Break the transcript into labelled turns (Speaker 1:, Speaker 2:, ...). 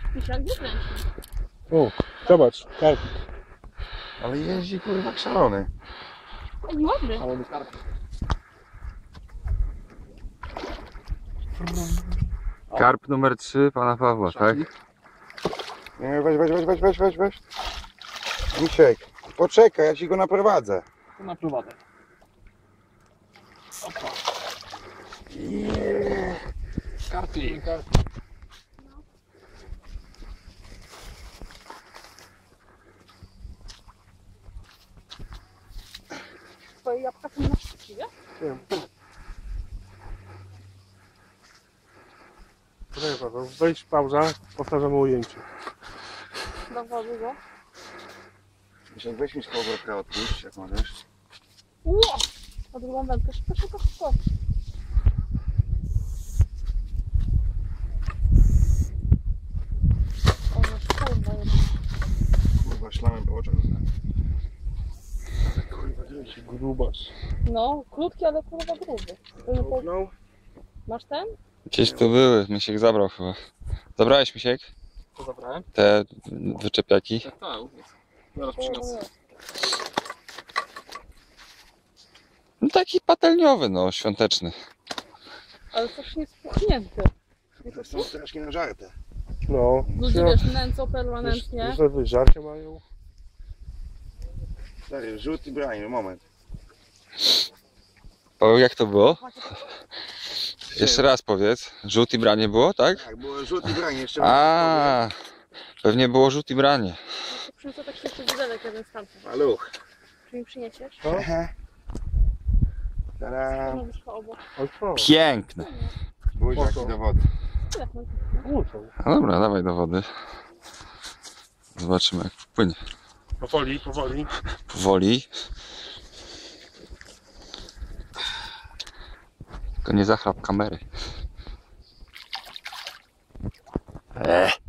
Speaker 1: Pisiak wykręci.
Speaker 2: O, zobacz, karp.
Speaker 3: Ale jeździ kurwa jak szalony.
Speaker 1: Ej, ładny.
Speaker 2: Szalony karp.
Speaker 3: Karp numer 3 pana Pawła, tak? Nie, weź. Misiek, poczekaj, ja ci go naprowadzę.
Speaker 2: To naprowadzę. Opa. Karpi.
Speaker 1: Twoje jabłka są na szczęśliwie?
Speaker 2: Wiem. Poczekaj Paweł, wejdź pauza, powtarzamy ujęcie.
Speaker 1: Do wody, go.
Speaker 3: Misiek, weź mi z powrotka odpuść, jak możesz.
Speaker 1: Ło! A drugą wędkę, szybko. O, no kurwa jest.
Speaker 3: Kurwa, szlamem po oczach.
Speaker 2: Kurwa, grubas.
Speaker 1: No, krótki, ale kurwa gruby.
Speaker 2: Kopnął?
Speaker 1: Masz ten?
Speaker 3: Gdzieś tu były, Misiek zabrał chyba. Zabrałeś, Misiek?
Speaker 2: Co zabrałem?
Speaker 3: Te wyczepiaki?
Speaker 2: Tak, zaraz przyniosę.
Speaker 3: No taki patelniowy, no, świąteczny.
Speaker 1: Ale coś nie spuchnięty.
Speaker 3: To są strasznie nażarte.
Speaker 2: No.
Speaker 1: Ludzie wiesz, nęcą permanentnie.
Speaker 2: Że żarcie mają.
Speaker 3: Stary, rzut i branie, moment. Paweł, jak to było? Jeszcze raz powiedz. Rzut i branie było, tak?
Speaker 4: Tak, było rzut i branie jeszcze.
Speaker 3: A, pewnie było rzut i branie.
Speaker 1: Przyniosę tak jeszcze widelek jeden z tamtych.
Speaker 4: Maluch.
Speaker 1: Czy mi przyniesiesz?
Speaker 4: Tada.
Speaker 1: No wyszło obok.
Speaker 2: Ale co?
Speaker 3: Piękne.
Speaker 4: Buziaki do wody.
Speaker 1: Telefon.
Speaker 2: Muszą.
Speaker 3: No dobra, dawaj do wody. Zobaczymy jak wpłynie.
Speaker 2: Powoli.
Speaker 3: Powoli. Tylko nie zachrap kamery.